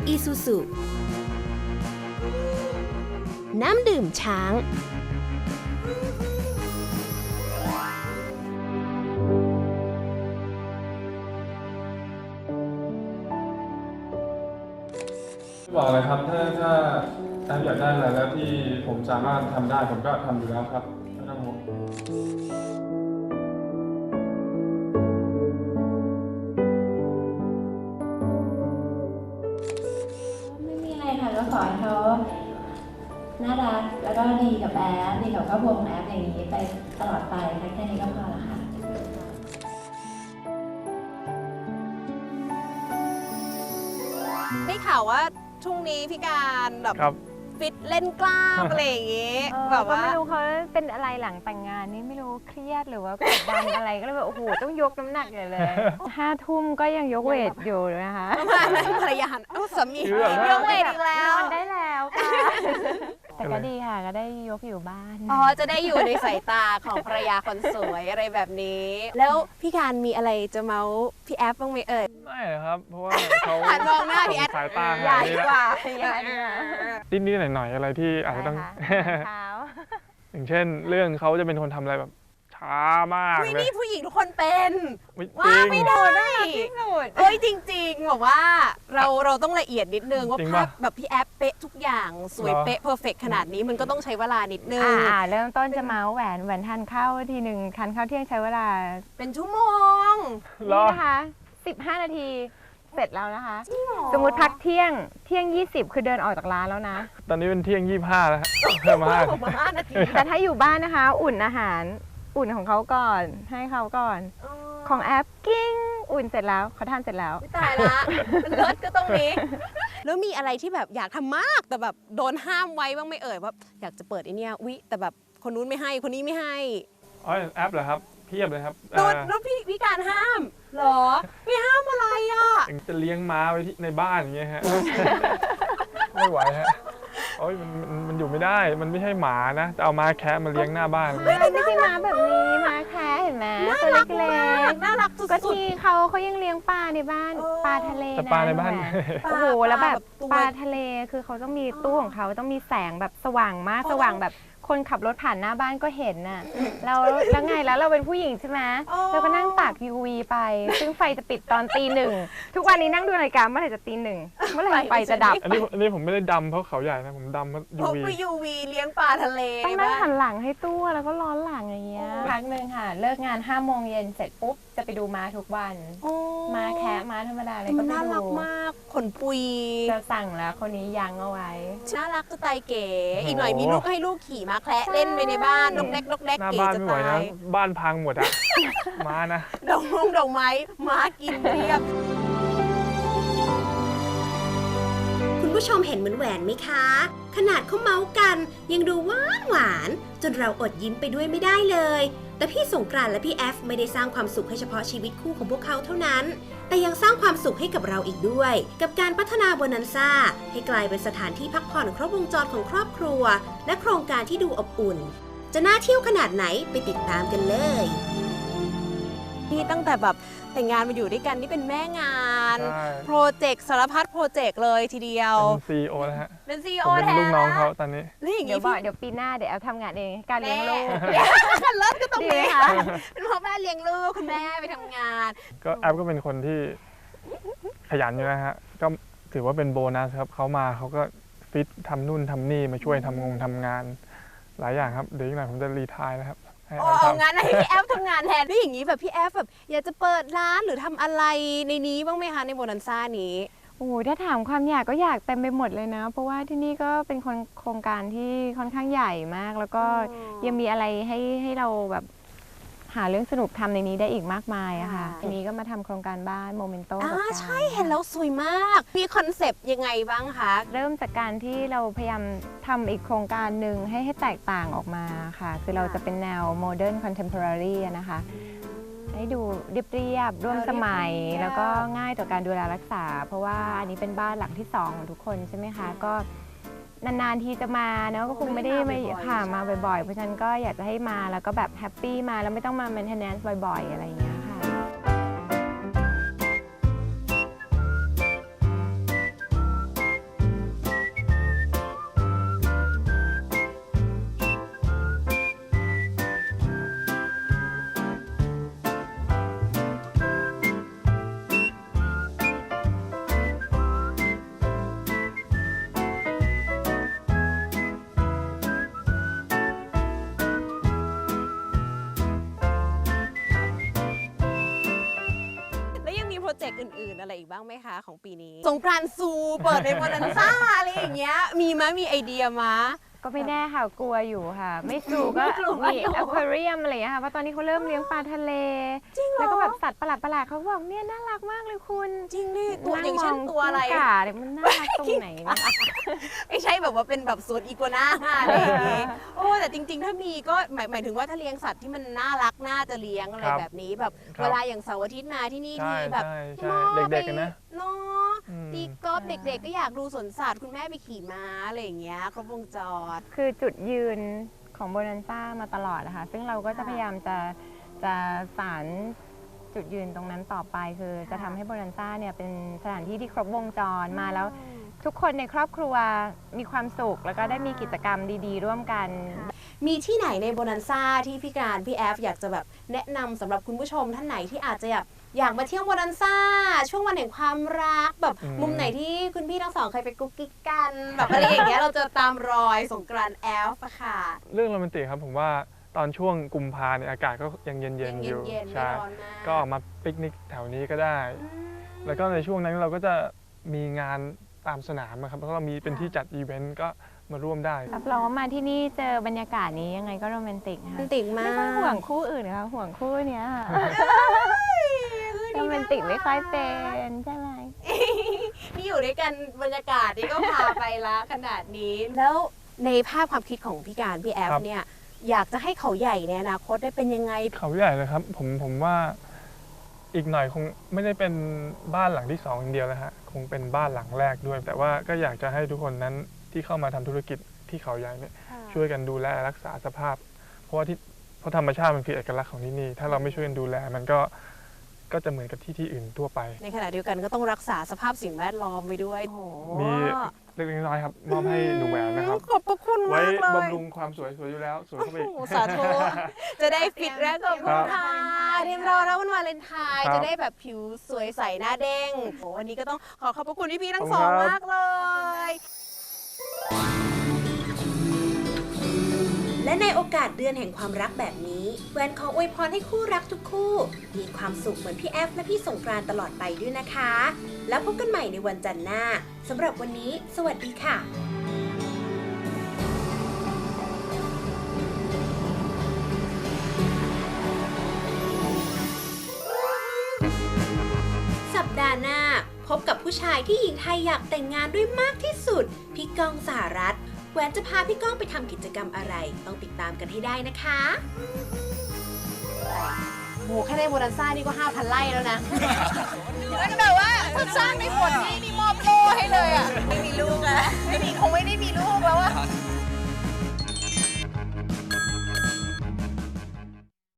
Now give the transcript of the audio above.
Isuzu น้ำดื่มช้างบอกเลยครับถ้าแอมอยากได้อะไรแล้วที่ผมสามารถทำได้ผมก็ทำอยู่แล้วครับไม่ต้องห่วงไม่มีอะไรค่ะก็ขอให้เขาน่ารักแล้วก็ดีกับแอฟดีกับครอบครัวของแอฟอย่างนี้ไปตลอดไปแค่นี้ก็พอละค่ะได้ข่าวว่าช่วงนี้พี่การแบบครับฟิตเล่นกล้ามอะไรอย่างงี้แบบว่าก็ไม่รู้เขาเป็นอะไรหลังแต่งงานนี่ไม่รู้เครียดหรือว่ากดดันอะไรก็เลยแบบโอ้โหต้องยกน้ำหนักใหญ่เลย5 ทุ่มก็ยังยกเวทอยู่นะคะประมาณนั้นภรรยาสามีคือแบบว่ายกเวทอีกแล้นวอนได้แล้วค่ะแต่ก็ดีค่ะก็ได้ยกอยู่บ้านอ๋อจะได้อยู่ในสายตาของภรรยาคนสวยอะไรแบบนี้ แล้วพี่การมีอะไรจะเมาส์พี่แอฟบ้างไหมเอ่ยไม่ครับ เพราะว่าเขาหันมองหน้าพี่แอฟสายตาใหญ่นี้กว่าใหญ่กว่านิดๆหน่อยๆอะไรที่อาจจะต้องเท้าอย่างเช่นเรื่องเขาจะเป็นคนทำอะไรแบบช้ามากอุ๊ยเลยนี่ผู้หญิงทุกคนเป็นไม่จว่าริงไม่ได้ที่สุดเอ้ยจริงๆบอกว่าเราต้องละเอียดนิดนึงว่าจริงภาปะพแบบพี่แอฟเป๊ะทุกอย่างสวยเหรอเป๊ะเพอร์เฟกขนาดนี้มันก็ต้องใช้เวลานิดนึงเริ่มต้นจะเมาส์แหวนทานข้าวทีหนึ่งทานข้าวเที่ยงใช้เวลาเป็นชั่วโมงเหรอนี่นะคะ15 นาทีเสร็จแล้วนะคะ สมมุติพักเที่ยง20คือเดินออกจากร้านแล้วนะตอนนี้เป็นเที่ยง 25 แล้วฮะเพิ่มมาผมมา5 นาทีแต่ถ้าอยู่บ้านนะคะ อุ่นอาหารอุ่นของเขาก่อนให้เขาก่อน ของแอปกิ้งอุ่นเสร็จแล้วเขาทานเสร็จแล้วตายละเลิศก็ต้องมีแล้วมีอะไรที่แบบอยากทำมากแต่แบบโดนห้ามไว้บ้างไหม่เอ่ยว่าอยากจะเปิดไอเนี้ยวิแต่แบบคนนู้นไม่ให้คนนี้ไม่ให้อ๋อแอปเหรอครับเพียบเลยครับโดนแล้วพี่การห้ามเหรอไม่ห้ามอะไรอ่ะจะเลี้ยงม้าไว้ที่ในบ้านอย่างเงี้ยฮะ ไม่ไหวฮะโอ้ยมันอยู่ไม่ได้ มันไม่ใช่หมานะจะเอาม้าแคะมาเลี้ยงหน้าบ้านไม่ใช่ม้าแบบนี้ม้าแคะเห็นไหมตัวเล็กน่ารักสุๆก็ดที่เขายังเลี้ยงปลาในบ้านเออปลาทะเลแต่ปลาในบ้านแหวๆโอ้โหแล้วแบบตัวปลาทะเลคือเขาต้องมีตู้ของเขาต้องมีแสงแบบสว่างมากสว่างแบบคนขับรถผ่านหน้าบ้านก็เห็นน่ะแล้วไงแล้วเราเป็นผู้หญิงใช่ไหมเราก็นั่งตาก UV ไป ซึ่งไฟจะปิดตอนตี 1ทุกวันนี้นั่งดูนาฬิกาเมื่อไหร่จะตี 1เมื่อไหร่ไฟจะดับอันนี้ผมไม่ได้ดำเพราะเขาใหญ่นะผมดำเพราะพก UV ไปยูวีเลี้ยงปลาทะเลต้องนั่งบ้าหันหลังให้ตู้แล้วก็ร้อนหลังอย่างเงี้ยพักหนึ่งค่ะ เลิกงาน5 โมงเย็นเสร็จปุ๊บจะไปดูม้าทุกวัน ม้าแคะม้าธรรมดาเลยก็ไปน่ารักดูมากขนปุยจะสั่งแล้วคนนี้ยังเอาไว้น่ารักสไตล์เก๋โอ้โหอีกหน่อยมีลูกให้ลูกขี่ม้าแคระเล่นไปในบ้านนกเล็กนกเล็กหน้าเก๋บ้านจะไม่ไหวตานะยบ้านพังหมดอะม้านะดอกไม้ม้ากินเรียบคุณผู้ชมเห็นเหมือนแหวนไหมคะ ขนาดเขาเมาส์กันยังดูหวานจนเราอดยิ้มไปด้วยไม่ได้เลย แต่พี่สงกรานต์และพี่แอฟไม่ได้สร้างความสุขให้เฉพาะชีวิตคู่ของพวกเขาเท่านั้น แต่ยังสร้างความสุขให้กับเราอีกด้วย กับการพัฒนาโบนันซ่าให้กลายเป็นสถานที่พักผ่อนครบวงจรของครอบครัว และโครงการที่ดูอบอุ่น จะน่าเที่ยวขนาดไหนไปติดตามกันเลยนี่ตั้งแต่แบบแต่งงานมาอยู่ด้วยกันนี่เป็นแม่งานใช่โปรเจกต์สารพัดโปรเจกต์เลยทีเดียวเป็น CEO แล้วฮะเป็นซีผโอมเป็นแทนลูกน้องเขาตอนนี้แล้วอย่างเดี๋ยงี้วบอกเดี๋ยวปีหน้าเดี๋ยวเอาทำงานเองการเลี้ยงลูกแม่เลิศก็ต้องดีมีไหมคะเป็นพ่อแม่เลี้ยงลูกคุณแม่ไปทำงานก็แอปก็เป็นคนที่ขยันอยู่นะฮะ ก็ถือว่าเป็นโบนัสครับเขามาเขาก็ฟิตทำนู่นทำนี่มาช่วยทำงานหลายอย่างครับ เดี๋ยวอีกหน่อยผมจะรีไทร์แล้วครับให้แอโอ้ปเอาทำงั้นให้พี่แอฟทำงานแทนแล้วอย่างนี้แบบพี่แอฟแบบอยากจะเปิดร้านหรือทำอะไรในนี้บ้างไหมคะในโบนันซ่านี้โอ้โหถ้าถามความอยากก็อยากเต็มไปหมดเลยนะ เพราะว่าที่นี่ก็เป็นโครงการที่ค่อนข้างใหญ่มาก แล้วก็อ๋อยังมีอะไรให้เราแบบหาเรื่องสนุกทำในนี้ได้อีกมากมายอะค่ะค่ะทีนี้ก็มาทำโครงการบ้านโมเมนโต้กับการใช่เห็นแล้วสวยมาก มีคอนเซปต์ยังไงบ้างคะเริ่มจากการที่เราพยายามทำอีกโครงการหนึ่งให้แตกต่างออกมาค่ะ คือเราจะเป็นแนวโมเดิร์นคอนเทมพอรารีนะคะ ให้ดูเรียบๆร่วมสมัยเรียบๆแล้วก็ง่ายต่อการดูแลรักษา เพราะว่าอันนี้เป็นบ้านหลังที่ 2 ของทุกคนใช่ไหมคะ ก็นานๆทีจะมาเนาะก็คงไม่ได้มาค่ะมาบ่อยๆ เพราะฉะนั้นก็อยากจะให้มาแล้วก็แบบแฮปปี้มาแล้วไม่ต้องมา maintenance บ่อยๆ อะไรอย่างเงี้ยค่ะแล้วอย่างนี้พี่แอฟแบบอยากจะเปิดร้านหรือทำอะไรในนี้บ้างไหมคะในโบนันซ่านี้โอ้โหถ้าถามความอยากก็อยากเต็มไปหมดเลยนะ เพราะว่าที่นี่ก็เป็นโครงการที่ค่อนข้างใหญ่มาก แล้วก็ยังมีอะไรให้เราแบบหาเรื่องสนุกทำในนี้ได้อีกมากมายอะค่ะ ทีนี้ก็รเจกต์อื่นๆ อะไรอีกบ้างไหมคะของปีนี้ สงกรานต์ซูเปิดในโบนันซ่าอะไรอย่างเงี้ยมีไหมมีไอเดียมาก็ไม่แน่ค่ะกลัวอยู่ค่ะ ไม่สู่ก็กลัวมีอยู่อควาเรียมอะไรอย่างเงี้ยค่ะเพราะตอนนี้เขาเริ่มเลี้ยงปลาทะเล แล้วก็แบบสัตว์ประหลาดๆเขาบอกเนี่ยน่ารักมากเลยคุณจริงดิตัวอย่างเช่นตัวอะไรกิ้งก่าเนี่ยมันน่ารักตรงไหนเนี่ยไม่ใช่แบบว่าเป็นแบบสวนอีกัวน่าอะไรอย่างงี้โอ้แต่จริงๆ ถ้ามีก็หมายถึงว่าถ้าเลี้ยงสัตว์ที่มันน่ารักน่าจะเลี้ยงอะไรครับแบบนี้แบบครับเวลาอย่างเสาร์อาทิตย์มาที่นี่ใช่ที่แบบใช่ใช่พ่อเด็กๆกันนะเนาะอืมตีกอล์ฟเด็กๆ ก็อยากดูสวนสัตว์คุณแม่ไปขี่ม้าอะไรอย่างเงี้ยครบวงจรคือจุดยืนของโบนันซ่ามาตลอดนะคะซึ่งเราก็จะพยายามจะสานจุดยืนตรงนั้นต่อไป คือจะทำให้โบนันซ่าเนี่ยเป็นสถานที่ที่ครบวงจรมาแล้ว ทุกคนในครอบครัวมีความสุข แล้วก็ได้มีกิจกรรมดีๆ ร่วมกันมีที่ไหนในโบนันซ่าที่พี่การพี่แอฟอยากจะแบบแนะนำสำหรับคุณผู้ชมท่านไหนที่อาจจะอยากมาเที่ยวโบนันซ่าช่วงวันแห่งความรักแบบมุมไหนที่คุณพี่ทั้งสองเคยไปกุ๊กกิ๊กกันแบบอะไรอย่างเงี้ยเราจะตามรอยสงกรานต์แอฟอะค่ะเรื่องโรแมนติกครับผมว่าตอนช่วงกุมภาเนี่ยอากาศก็ยังเย็นๆอยู่เย็นๆไม่ใช่ร้อนมากก็ออกมาปิกนิกแถวนี้ก็ได้ แล้วก็ในช่วงนั้นเราก็จะมีงานตามสนามอะครับแล้วก็มีเป็นที่จัดอีเวนต์ก็มาร่วมได้รับรองว่ามาที่นี่เจอบรรยากาศนี้ยังไงก็โรแมนติกโรค่ะแมนติกมาไม่กค่อยห่วงคู่อื่นนะคะห่วงคู่เนี้ยค่ะโรแมนติกไม่ค่อยเป็นใช่ไหมที่อยู่ด้วยกันบรรยากาศนี่ก็พาไปละขนาดนี้ แล้วในภาพความคิดของพี่การพี่แอฟครับเนี่ยอยากจะให้เขาใหญ่ในอนาคตได้เป็นยังไงเขาใหญ่เลยครับผมว่าอีกหน่อยคงไม่ได้เป็นบ้านหลังที่สองอย่างเดียวแล้วฮะคงเป็นบ้านหลังแรกด้วย แต่ว่าก็อยากจะให้ทุกคนนั้นที่เข้ามาทำธุรกิจที่เขาใหญ่เนี่ยช่วยกันดูแลรักษาสภาพ เพราะธรรมชาติมันคือเอกลักษณ์ของที่นี่ถ้าเราไม่ช่วยกันดูแลมันก็จะเหมือนกับที่อื่นทั่วไปในขณะเดียวกันก็ต้องรักษาสภาพสิ่งแวดล้อมไว้ด้วยโอ้โหมีเล็กๆน้อยๆครับมอบให้หนูแหวนนะครับขอบพระคุณไว้มากเลยบำรุงความสวยอยู่แล้วสวยเข้าไปอีกโอ้โหสาธุจะได้ฟิตแรกกับคุณค่ะเตรียมรอแล้ววันวาเลนไทน์ครับจะได้แบบผิวสวยใสหน้าเด้งโอ้วันนี้ก็ต้องขอขอบพระคุณพี่ๆทั้งขอบสคุองณครับมากเลยและในโอกาสเดือนแห่งความรักแบบนี้แหวนขออวยพรให้คู่รักทุกคู่ มีความสุขเหมือนพี่แอฟและพี่สงกรานต์ตลอดไปด้วยนะคะ แล้วพบกันใหม่ในวันจันทร์หน้าสำหรับวันนี้ สวัสดีค่ะ สัปดาห์หน้าพบกับผู้ชายที่หญิงไทยอยากแต่งงานด้วยมากที่สุด พี่ก้องสหรัฐแหวนจะพาพี่ก้องไปทำกิจกรรมอะไร ต้องติดตามกันให้ได้นะคะโหแค่ในโบนันซ่านี่ก็ 5,000 ไร่แล้วนะแล้วแบบว่าถ้าสร้างในฝนนี่มอบโล่ให้เลยอ่ะ ไม่มีลูกอ่ะ คงไม่ได้มีลูกแล้วอ่ะ